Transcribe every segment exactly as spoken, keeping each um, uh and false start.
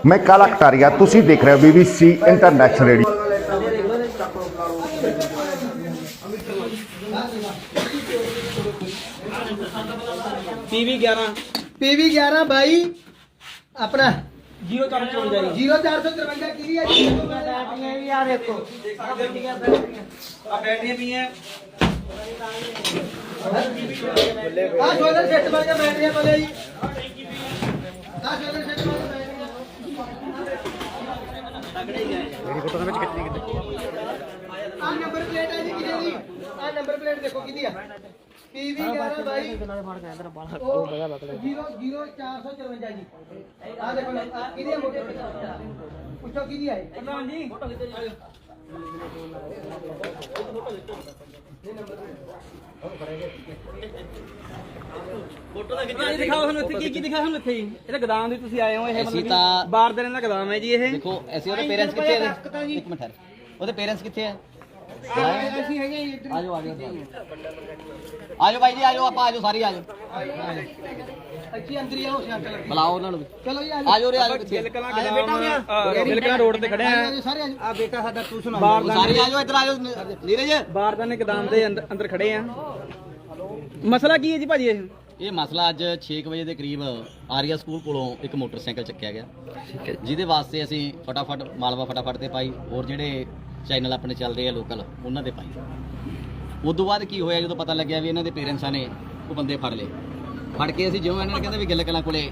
मैं काला कटारिया, तुसी देख रहे हो बीबीसी इंटरनेशनल रेडियो। पीवी ग्यारह पीवी ग्यारह भाई अपना जीरो चार सौ चौवंजा जीरो चार सौ तिरवंजा की यार देखो बैटरियां भी हैं हाँ सोलर सेट बन गया बैटरियां बोले जी हाँ सोलर सेट बन गया हाँ नंबर प्लेट है जी किधर जी हाँ नंबर प्लेट देखो किधर है पीवी ग्यारह भाई जीरो जीरो चार सौ चौवंजा जी हाँ देखो किधर है मोटे पूछो किधर है प्रधान जी फोटो ਦਾ ਖਿੱਚਿਆ ਦਿਖਾਓ ਸਾਨੂੰ ਇੱਥੇ ਕੀ ਕੀ ਦਿਖਾਇਆ ਸਾਨੂੰ ਇੱਥੇ ਇਹ ਤਾਂ ਗਦਾਮ ਦੀ ਤੁਸੀਂ ਆਏ ਹੋ ਇਹ ਮਤਲਬ ਬਾਰ ਦੇ ਰਹਿਣ ਦਾ ਗਦਾਮ ਹੈ ਜੀ ਇਹ ਦੇਖੋ ਅਸੀਂ ਉਹਦੇ ਪੇਰੈਂਟਸ ਕਿੱਥੇ ਹੈ ਇੱਕ ਮਿੰਟ ਠਹਿਰ ਉਹਦੇ ਪੇਰੈਂਟਸ ਕਿੱਥੇ ਹੈ ਅਸੀਂ ਹੈਗੇ ਇੱਧਰ ਆਜੋ ਆਜੋ ਆਜੋ ਭਾਈ ਜੀ ਆਜੋ ਆਪਾਂ ਆਜੋ ਸਾਰੇ ਆਜੋ ਅੱਛੀ ਅੰਦਰ ਹੀ ਆਓ ਸਿਆਂਟ ਲੱਗੀ ਬੁਲਾਓ ਉਹਨਾਂ ਨੂੰ ਵੀ ਚਲੋ ਜੀ ਆਜੋ ਰੇ ਆਜੋ ਕਿੱਥੇ ਬਿਲਕੁਲ ਗਦਾਮ ਬਿਲਕੁਲ ਰੋਡ ਤੇ ਖੜੇ ਆ ਸਾਰੇ ਆ ਬੇਟਾ ਸਾਡਾ ਤੂੰ ਸੁਣਾ ਸਾਰੇ ਆਜੋ ਇੱਧਰ ਆਜੋ ਨੀਰਜ ਬਾਰਦਾਨੇ ਗਦਾਮ ਦੇ ਅੰਦਰ ਅੰਦਰ ਖੜੇ ਆ ਮਸਲਾ ਕੀ ਹੈ ਜੀ ਭਾਜੀ ਇਹ ਇਹ ਮਸਲਾ ਅੱਜ ਛੇ ਵਜੇ ਦੇ ਕਰੀਬ ਆਰੀਆ ਸਕੂਲ ਕੋਲੋਂ ਇੱਕ ਮੋਟਰਸਾਈਕਲ ਚੱਕਿਆ ਗਿਆ ਠੀਕ ਹੈ ਜਿਹਦੇ ਵਾਸਤੇ ਅਸੀਂ ਫਟਾਫਟ ਮਾਲਵਾ ਫਟਾਫਟ ਤੇ ਪਾਈ ਔਰ ਜਿਹੜੇ ਚੈਨਲ ਆਪਣੇ ਚੱਲ ਰਹੇ ਆ ਲੋਕਲ ਉਹਨਾਂ ਦੇ ਪਾਈ ਉਸ ਤੋਂ ਬਾਅਦ ਕੀ ਹੋਇਆ ਜਦੋਂ ਪਤਾ ਲੱਗਿਆ ਵੀ ਇਹਨਾਂ ਦੇ ਪੇਰੈਂਟਸਾਂ ਨੇ ਉਹ ਬੰਦੇ ਫੜ ਲਏ ਫੜ ਕੇ ਅਸੀਂ ਜਿਉਂ ਇਹਨਾਂ ਨੇ ਕਹਿੰਦੇ ਵੀ ਗਿੱਲ ਕਲਾਂ ਕੋਲੇ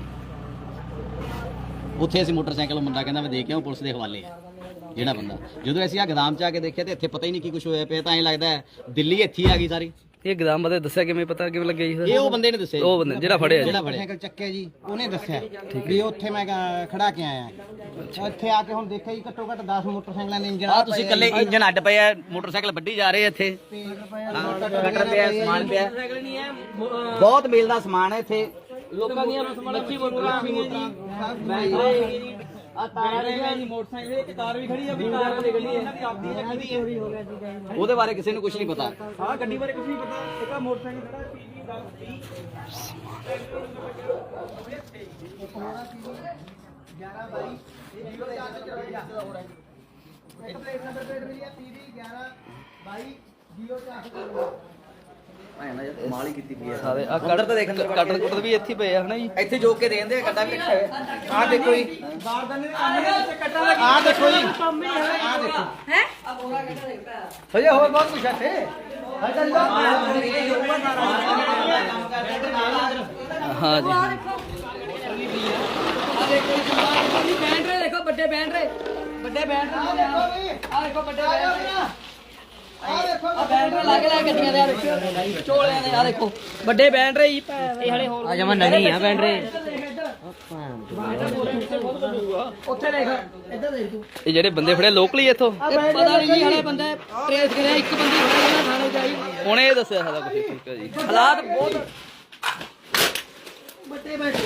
ਉੱਥੇ ਅਸੀਂ ਮੋਟਰਸਾਈਕਲ ਮੁੰਡਾ ਕਹਿੰਦਾ ਮੈਂ ਦੇ ਕੇ ਆਉਂ ਪੁਲਿਸ ਦੇ ਹਵਾਲੇ ਆ ਜਿਹੜਾ ਬੰਦਾ ਜਦੋਂ ਅਸੀਂ ਆ ਗਦਾਮ ਚ ਆ ਕੇ ਦੇਖਿਆ ਤੇ ਇੱਥੇ ਪਤਾ ਹੀ ਨਹੀਂ ਕੀ ਕੁਝ ਹੋਇਆ ਪਿਆ ਤਾਂ ਐਂ ਲੱਗਦਾ ਦਿੱਲੀ ਇੱਥੇ ਹੀ ਆ ਗਈ ਸਾਰੀ ਇਹ ਗਦਾਮ ਬਾਰੇ ਦੱਸਿਆ ਕਿਵੇਂ ਪਤਾ ਕਿਵੇਂ ਲੱਗਿਆ ਜੀ ਇਹ ਉਹ ਬੰਦੇ ਨੇ ਦੱਸਿਆ ਉਹ ਬੰਦੇ ਜਿਹੜਾ ਫੜਿਆ ਜਿਹੜਾ ਫੜਿਆ ਸਾਈਕਲ ਚੱਕਿਆ ਜੀ ਉਹਨੇ ਦੱਸਿਆ ਵੀ ਉੱਥੇ ਮੈਂ ਖੜਾ ਕੇ ਆਇਆ ਇੱਥੇ ਆ ਕੇ ਹੁਣ ਦੇਖਿਆ ਜੀ ਘੱਟੋ ਘੱਟ ਦਸ ਮੋਟਰਸਾਈਕਲਾਂ ਦੇ ਇੰਜਣ ਆ ਤੁਸੀਂ ਇਕੱਲੇ ਇੰਜਨ ਅੱਡ ਪਏ ਆ ਮੋਟਰਸਾਈਕਲ ਵੱਢੀ ਜਾ ਰਹੇ ਇੱਥੇ ਕਟਰ ਪਿਆ ਸਮਾਨ ਪਿਆ ਬਹੁਤ ਮੇਲ ਦਾ ਸਮਾਨ ਹੈ ਇੱਥੇ ਲੋਕਾਂ ਦੀਆਂ ਮੱਛੀ ਮੋਟਰਾਂ ਆ ਗਈਆਂ ਆ ਤਾਰ ਹੈ ਜੀ ਮੋਟਰਸਾਈਕਲ ਇੱਕ ਕਾਰ ਵੀ ਖੜੀ ਆ ਵੀ ਕਾਰ ਵਾਲੀ ਗੱਡੀ ਇਹਨਾਂ ਦੀ ਆਪਦੀ ਹੈ ਕਿਹਦੀ ਚੋਰੀ ਹੋ ਗਿਆ ਸੀ ਉਹਦੇ ਬਾਰੇ ਕਿਸੇ ਨੂੰ ਕੁਝ ਨਹੀਂ ਪਤਾ ਹਾਂ ਗੱਡੀ ਬਾਰੇ ਕੁਝ ਨਹੀਂ ਪਤਾ ਇੱਕ ਆ ਮੋਟਰਸਾਈਕਲ ਖੜਾ ਪੀਵੀ ग्यारह भाई जीरो चार सौ चौवंजा एक प्लेट नंबर प्लेट मिली है पीवी ग्यारह भाई जीरो चार सौ चौवंजा ਮਾਲ ਹੀ ਕੀਤੀ ਪਈ ਸਾਰੇ ਆ ਕਟਰ ਤਾਂ ਦੇਖ ਕਟਰ ਕੁਟਰ ਵੀ ਇੱਥੇ ਪਏ ਆ ਹਨਾ ਜੀ ਇੱਥੇ ਜੋਕ ਕੇ ਦੇਂਦੇ ਕੱਡਾ ਵੀ ਰੱਖਿਆ ਹੋਇਆ आ देखो जी ਬਾਰਦਾਨੇ ਦੇ ਕੰਮ ਦੇ ਕੱਟਾ ਲੱਗੀ आ देखो जी आ देखो हैं भैया और बहुत कुछ है ਹਾਂ ਜੀ ਬੈਂਡ ਰੇ ਦੇਖੋ ਵੱਡੇ ਬੈਂਡ ਰੇ ਵੱਡੇ ਬੈਂਡ ਰੇ ਆ ਦੇਖੋ ਵੱਡੇ ਬੈਂਡ ਰੇ ਆ ਬੈਂਡ ਰੇ ਲੱਗ ਲੱਗ ਗੱਡੀਆਂ ਦੇ ਆ ਦੇਖੋ ਚੋਲਿਆਂ ਦੇ ਆ ਦੇਖੋ ਵੱਡੇ ਬੈਂਡ ਰੇ ਹੀ ਇਹ ਹਲੇ ਹੋਰ ਆ ਜਮਾ ਨਵੀਂ ਆ ਬੈਂਡ ਰੇ ਉੱਥੇ ਦੇਖ ਇੱਧਰ ਦੇਖ ਤੂੰ ਇਹ ਜਿਹੜੇ ਬੰਦੇ ਫੜੇ ਲੋਕਲੀ ਇੱਥੋਂ ਪਤਾ ਨਹੀਂ ਜੀ ਹਲੇ ਬੰਦੇ ਟ੍ਰੇਸ ਕਰਿਆ ਇੱਕ ਬੰਦੀ ਫੜਿਆ ਨਾ ਥਾਣੇ ਚਾਹੀ ਉਹਨੇ ਇਹ ਦੱਸਿਆ ਸਾਰਾ ਕੁਝ ਠੀਕ ਹੈ ਜੀ ਹਾਲਾਤ ਬਹੁਤ ਵੱਡੇ ਬੈਠ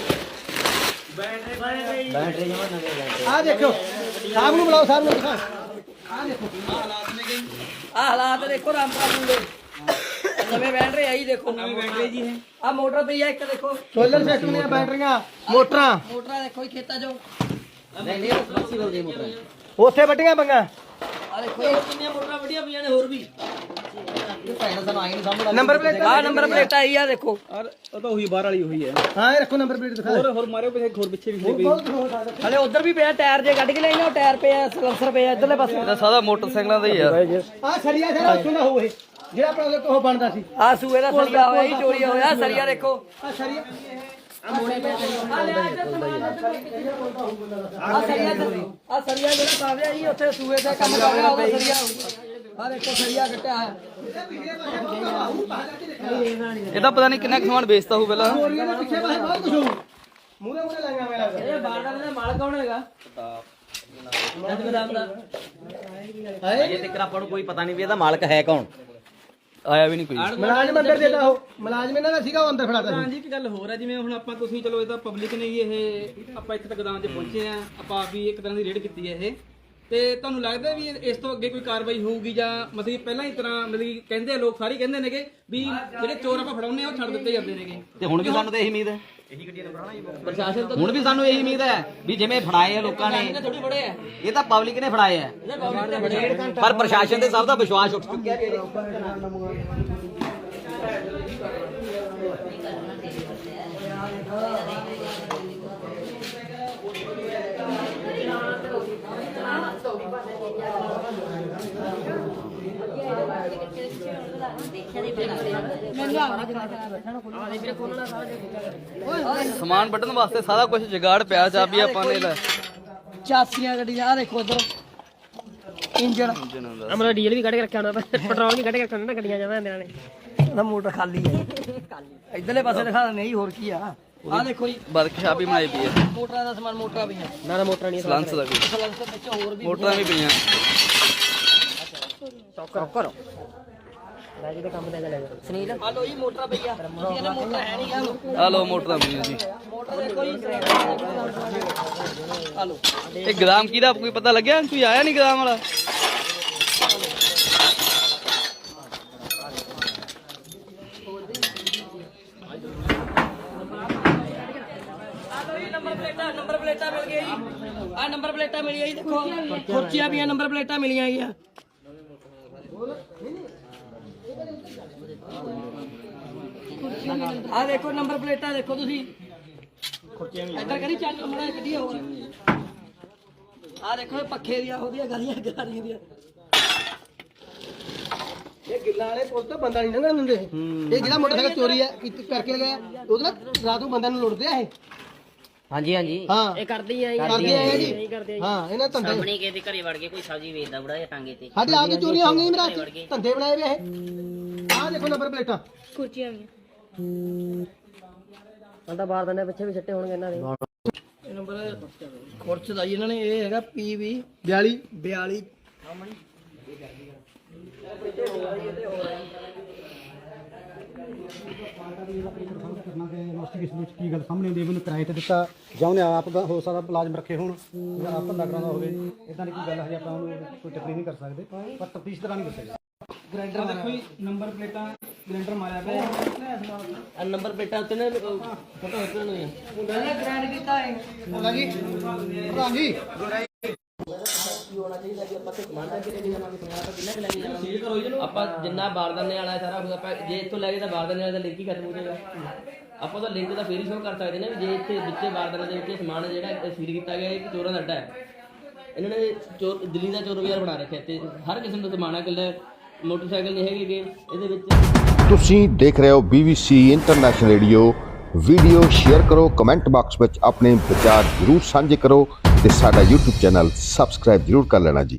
आ देखो साहब ਨੂੰ ਬੁਲਾਓ ਸਾਹਬ ਨੂੰ ਦਿਖਾ ਆ ਦੇਖੋ ਆ ਹਾਲਾਤ ਦੇਖੋ ਰਾਮਪੁਰ ਦੇ ਨਵੇਂ ਬੈਂਡ ਰੇ ਆਈ ਦੇਖੋ ਨਵੇਂ ਬੈਂਡ ਰੇ ਜੀ ਹੈ ਆ ਮੋਟਰ ਪਈ ਆ ਇੱਕ ਦੇਖੋ ਸੋਲਰ ਸਿਸਟਮ ਦੀਆਂ ਬੈਟਰੀਆਂ ਮੋਟਰਾਂ ਮੋਟਰਾਂ ਦੇਖੋ ਜੀ ਖੇਤਾਂ ਚੋਂ ਨਹੀਂ ਨਹੀਂ ਫਲੈਕਸੀਬਲ ਦੇ ਮੋਟਰ ਉੱਥੇ ਵੱਡੀਆਂ ਬੰਗਾ ਆ ਦੇਖੋ ਇਹ ਕਿੰਨੀਆਂ ਮੋਟਰਾਂ ਵੱਡੀਆਂ ਪਈਆਂ ਨੇ ਹੋਰ ਵੀ ਭੈਣ ਸਾਨੂੰ ਆਈ ਨਹੀਂ ਸਮਝ ਨੰਬਰ ਪਲੇਟ ਆ ਨੰਬਰ ਪਲੇਟ ਆਈ ਆ ਦੇਖੋ ਔਰ ਉਹ ਤਾਂ ਉਹੀ ਬਾਹਰ ਵਾਲੀ ਉਹੀ ਹੈ ਹਾਂ ਇਹ ਰੱਖੋ ਨੰਬਰ ਪਲੇਟ ਦਿਖਾ ਹੋਰ ਹੋਰ ਮਾਰਿਓ ਪਿੱਛੇ ਹੋਰ ਪਿੱਛੇ ਵੀ ਖੜੀ ਪਈ ਹਲੇ ਉਧਰ ਵੀ ਪਿਆ ਟਾਇਰ ਜੇ ਕੱਢ ਕੇ ਲੈ ਉਹ ਟਾਇਰ ਪਿਆ ਸਲੰਸਰ ਪਿਆ ਇਧਰਲੇ ਪਾਸੇ ਇਹਦਾ ਸਾਰਾ ਮੋਟਰਸਾਈਕਲਾਂ ਦਾ ਹੀ ਆ ਆ ਸਰੀਆ ਸਾਰਾ ਉੱਥੋਂ ਦਾ ਹੋਏ ਜਿਹੜਾ ਆਪਣਾ ਉਹਦੇ ਤੋਂ ਬਣਦਾ ਸੀ ਆ ਸੂਏ ਦਾ ਸਰੀਆ ਹੋਇਆ ਜੀ ਚੋਰੀ ਹੋਇਆ ਸਰੀਆ ਦੇਖੋ ਆ ਸਰੀਆ ਆ ਸਰੀਆ ਆ ਸਰੀਆ ਜਿਹੜਾ ਪਾਵਿਆ ਜੀ ਉੱਥੇ ਸੂਏ ਤੇ ਕੰਮ ਕਰ ਰਿਹਾ ਉਹਦਾ ਸਰੀਆ ਆ ਦੇਖੋ ਸਰੀਆ ਕੱਟਿਆ ਹੈ ਇਹਦਾ ਪਤਾ ਨਹੀਂ ਕਿੰਨਾ ਕੁ ਸਮਾਨ ਵੇਚਦਾ ਹੋਊ ਪਹਿਲਾਂ ਚੋਰੀਆਂ ਦੇ ਪਿੱਛੇ ਪਾਸੇ ਬਹੁਤ ਕੁਝ ਹੋਊ ਮੂਹਰੇ ਮੂਹਰੇ ਲਾਈਆਂ ਮੇਰਾ ਇਹ ਬਾਰਡਰ ਦਾ ਮਾਲਕ ਕੌਣ ਹੈਗਾ ਜਦ ਬਦਾਮ ਦਾ ਅਜੇ ਤੱਕ ਆਪਾਂ ਨੂੰ ਕੋਈ ਪਤਾ ਨਹੀਂ ਵੀ ਇਹਦਾ ਮਾਲਕ ਹੈ ਕੌਣ ਆਇਆ ਵੀ ਨਹੀਂ ਕੋਈ ਮੁਲਾਜ਼ਮ ਅੰਦਰ ਦੇਦਾ ਉਹ ਮੁਲਾਜ਼ਮ ਇਹਨਾਂ ਦਾ ਸੀਗਾ ਉਹ ਅੰਦਰ ਫੜਾਤਾ ਹਾਂ ਜੀ ਇੱਕ ਗੱਲ ਹੋਰ ਹੈ ਜਿਵੇਂ ਹੁਣ ਆਪਾਂ ਤੁਸੀਂ ਚਲੋ ਇਹ ਤਾਂ ਪਬਲਿਕ ਨੇ ਜੀ ਇਹ ਆਪਾਂ ਇੱਥੇ ਤੱਕ ਗਦਾਮ 'ਚ ਪਹੁੰਚੇ ਆ ਆਪਾਂ ਆਪ ਵੀ ਇੱਕ ਤਰ੍ਹਾਂ ਦੀ ਰੇਡ ਕੀਤੀ ਹੈ ਇਹ ਤੇ ਤੁਹਾਨੂੰ ਲੱਗਦਾ ਵੀ ਇਸ ਤੋਂ ਅੱਗੇ ਕੋਈ ਕਾਰਵਾਈ ਹੋਊਗੀ ਜਾਂ ਮਤਲਬ ਪਹਿਲਾਂ ਹੀ ਤਰ੍ਹਾਂ ਮਤਲਬ ਕਹਿੰਦੇ ਲੋਕ ਸਾਰੇ ਕਹਿੰਦੇ ਨੇਗੇ ਵੀ ਜਿਹੜੇ ਚੋਰ ਆਪਾਂ ਫੜਾਉਂਦੇ ਆ ਉਹ ਛੱਡ ਦਿੱਤੇ ਜਾਂਦੇ ਨੇਗੇ ਤੇ ਹੁਣ ਵੀ ਸਾਨੂੰ ਤਾਂ ਇਹੀ ਉਮੀਦ ਹੈ ਪ੍ਰਸ਼ਾਸਨ ਤੋਂ ਹੁਣ ਵੀ ਸਾਨੂੰ ਇਹੀ ਉਮੀਦ ਹੈ ਵੀ ਜਿਵੇਂ ਫੜਾਏ ਆ ਲੋਕਾਂ ਨੇ ਥੋੜੀ ਬੜੇ ਆ ਇਹ ਤਾਂ ਪਬਲਿਕ ਨੇ ਫੜਾਏ ਆ ਇਹਦੇ ਪਬਲਿਕ ਦੇ ਬੜੇ ਪਰ ਪ੍ਰਸ਼ਾਸਨ ਤੇ ਸਭ ਦਾ ਵਿਸ਼ਵਾਸ ਉੱਠ ਚੁੱਕਿਆ ਵੀ ਸਮਾਨ ਵੱਢਣ ਵਾਸਤੇ ਸਾਰਾ ਕੁਝ ਜੁਗਾੜ ਪਿਆ ਚਾਬੀ ਆਪਾਂ ਨੇ ਲੈ ਚਾਸੀਆਂ ਗੱਡੀਆਂ ਆ ਦੇਖੋ ਉਧਰ ਇੰਜਣ ਅਮਰਾ ਡੀਜ਼ਲ ਵੀ ਕੱਢ ਕੇ ਰੱਖਿਆ ਹੋਣਾ ਪੈਟਰੋਲ ਵੀ ਕੱਢ ਕੇ ਰੱਖਿਆ ਹੋਣਾ ਨਾ ਗੱਡੀਆਂ ਜਾਂਦਾ ਇਹਨਾਂ ਨੇ ਉਹਦਾ ਮੋਟਰ ਖਾਲੀ ਹੈ ਇਧਰਲੇ ਪਾਸੇ ਦਿਖਾ ਨਹੀਂ ਹੋਰ ਕੀ ਆ ਆ ਦੇਖੋ ਜੀ ਵਰਕਸ਼ਾਪ ਹੀ ਬਣਾਈ ਪਈ ਹੈ ਮੋਟਰਾਂ ਦਾ ਸਮਾਨ ਮੋਟਰਾਂ ਪਈਆਂ ਨਾ ਨਾ ਮੋਟਰਾਂ ਨਹੀਂ ਸਲੰਸ ਦਾ ਵੀ ਸਲੰਸ ਦੇ ਵਿੱਚ ਹੋਰ ਵੀ ਮੋਟਰਾਂ ਵੀ ਪਈਆਂ ਕਰੋ ਕਰੋ ਲੈ ਜਿਹਦੇ ਕੰਮ ਦੇ ਲੈ ਜਾ ਸੁਨੀਲ ਆ ਲੋ ਜੀ ਮੋਟਰਾਂ ਪਈਆਂ ਅਸੀਂ ਇਹਨਾਂ ਮੋਟਰ ਹੈ ਨਹੀਂ ਗਾ ਆ ਲਓ ਮੋਟਰਾਂ ਪਈਆਂ ਜੀ ਮੋਟਰ ਦੇਖੋ ਜੀ ਆ ਲੋ ਇਹ ਗ੍ਰਾਮ ਕਿਹਦਾ ਕੋਈ ਪਤਾ ਲੱਗਿਆ ਕੋਈ ਆਇਆ ਨਹੀਂ ਗ੍ਰਾਮ ਵਾਲਾ ਨੰਬਰ ਪਲੇਟਾਂ ਨੰਬਰ ਪਲੇਟਾਂ ਮਿਲ ਗਈਆਂ ਜੀ ਆ ਨੰਬਰ ਪਲੇਟਾਂ ਮਿਲੀਆਂ ਜੀ ਦੇਖੋ ਖੁਰਚੀਆਂ ਪਈਆਂ ਨੰਬਰ ਪਲੇਟਾਂ ਮਿਲੀਆਂ ਗਈਆਂ ਆ ਦੇਖੋ ਨੰਬਰ ਪਲੇਟਾਂ ਦੇਖੋ ਤੁਸੀਂ ਖੁਰਚੀਆਂ ਵੀ ਇੱਧਰ ਕਰੀ ਚੱਲ ਮੜਾ ਕੱਢੀ ਹੋ ਆ ਦੇਖੋ ਇਹ ਪੱਖੇ ਦੀਆਂ ਉਹਦੀਆਂ ਗਾਲੀਆਂ ਗਾਲੀਆਂ ਦੀਆਂ ਇਹ ਗਿੱਲਾਂ ਵਾਲੇ ਪੁਲਿਸ ਤੋਂ ਬੰਦਾ ਨਹੀਂ ਲੰਘਣ ਦਿੰਦੇ ਇਹ ਜਿਹੜਾ ਮੋਟਰਸਾਈਕਲ ਚੋਰੀ ਹੈ ਕੀਤੀ- ਕਰਕੇ ਲਗਾਇਆ ਉਹਦੇ ਨਾਲ ਰਾਤ ਨੂੰ ਬੰਦਿਆਂ ਨੂੰ ਲੁੱਟਦੇ ਆ ਇਹ ਹਾਂਜੀ ਹਾਂਜੀ ਹਾਂ ਇਹ ਕਰਦੇ ਆ ਕਰਦੇ ਆ ਜੀ ਨਹੀਂ ਕਰਦੇ ਹਾਂ ਇਹਨਾਂ ਧੰਦੇ ਸਾਹਮਣੇ ਕਿਸੇ ਦੇ ਘਰੇ ਵੜ ਕੇ ਕੋਈ ਸਬਜ਼ੀ ਵੇਚਦਾ ਬੁੜਾ ਜਾਂ ਟਾਂਗੇ ਤੇ ਸਾਡੇ ਆਪ ਦੀ ਚੋਰੀਆਂ ਹੋ ਗਈਆਂ ਮੇਰਾ ਧੰਦੇ ਬਣਾਏ ਵੇ ਇਹ ਆਹ ਦੇਖੋ ਨੰਬਰ ਪਲੇਟਾਂ ਕੁਰਚੀਆਂ ਵੀ ਆਂਦਾ ਬਾਹਰ ਦੰਨੇ ਪਿੱਛੇ ਵੀ ਛੱਟੇ ਹੋਣਗੇ ਇਹਨਾਂ ਦੇ ਇਹ ਨੰਬਰ ਖੁਰਚ ਦਾ ਜੀ ਇਹਨਾਂ ਨੇ ਇਹ ਹੈਗਾ ਪੀ ਵੀ ਬਿਆਲੀ ਬਿਆਲੀ ਕੀ ਗੱਲ ਸਾਹਮਣੇ ਆਉਂਦੀ ਮੈਨੂੰ ਕਿਰਾਏ ਤੇ ਦਿੱਤਾ ਜਾਂ ਉਹਨੇ ਆਪ ਦਾ ਹੋ ਸਕਦਾ ਮੁਲਾਜ਼ਮ ਰੱਖੇ ਹੋਣ ਜਾਂ ਆਪ ਧੰਦਾ ਕਰਾਉਂਦਾ ਹੋਵੇ ਇਦਾਂ ਦੀ ਕੋਈ ਗੱਲ ਹਜੇ ਆਪਾਂ ਉਹਨੂੰ ਕੋਈ ਟੱਕਰੀ ਨਹੀਂ ਕਰ ਸਕਦੇ ਪਰ ਤਫਤੀਸ਼ ਦੌਰਾਨ ਹੀ ਦੱਸੇਗਾ ਗ੍ਰਾਈਂਡਰ ਦੇਖੋ ਜੀ ਨੰਬਰ ਪਲੇਟਾਂ ਗ੍ਰਾਈਂਡਰ ਮਾਰਿਆ ਪਿਆ ਆ ਨੰਬਰ ਪਲੇਟਾਂ ਉੱਤੇ ਨੇ ਫੋਟੋ ਉੱਤੇ ਨੂੰ ਉਹਨੇ ਗ੍ਰੈਂਡ ਕੀਤਾ ਹੈ ਹੁੰਦਾ ਜੀ ਪ੍ਰਧਾਨ ਜੀ ਆਪਾਂ ਜਿੰਨਾ ਬਾਰਦਾਨੇ ਵਾਲਾ ਸਾਰਾ ਕੁਝ ਆਪਾਂ ਜੇ ਇੱਥੋਂ ਲੈ ਕੇ ਤਾਂ ਬਾਰਦਾਨੇ ਵਾਲੇ ਦਾ ਲਿੰਕ ਹੀ ਖਤਮ ਹੋ ਜਾਏਗਾ ਆਪਾਂ ਤਾਂ ਲਿੰਕ ਤਾਂ ਫੇਰ ਹੀ ਸ਼ੋਅ ਕਰ ਸਕਦੇ ਨੇ ਵੀ ਜੇ ਇੱਥੇ ਵਿੱਚੇ ਬਾਰਦਾਨੇ ਦੇ ਵਿੱਚ ਸਮਾਨ ਜਿਹੜਾ ਸੀਲ ਕੀਤਾ ਗਿਆ ਇਹ ਚੋਰਾਂ ਦਾ ਅੱਡਾ ਹੈ ਇਹਨਾਂ ਨੇ ਚੋਰ ਦਿੱਲੀ ਦਾ ਚੋਰ ਬਾਜ਼ਾਰ ਬਣਾ ਰੱਖਿਆ ਤੇ ਹਰ ਕਿਸਮ ਦਾ ਸਮਾਨ ਹੈ ਇਕੱਲਾ ਮੋਟਰਸਾਈਕਲ ਨਹੀਂ ਹੈਗੇ ਇਹਦੇ ਵਿੱਚ ਤੁਸੀਂ ਦੇਖ ਰਹੇ ਹੋ B B C international radio video share ਕਰੋ ਕਮੈਂਟ ਬਾਕਸ ਵਿੱਚ ਆਪਣੇ ਵਿਚਾਰ ਜ਼ਰੂਰ ਸਾਂਝੇ ਕਰੋ ਤੇ ਸਾਡਾ YouTube ਚੈਨਲ ਸਬਸਕ੍ਰਾਈਬ ਜ਼ਰੂਰ ਕਰ ਲੈਣਾ ਜੀ।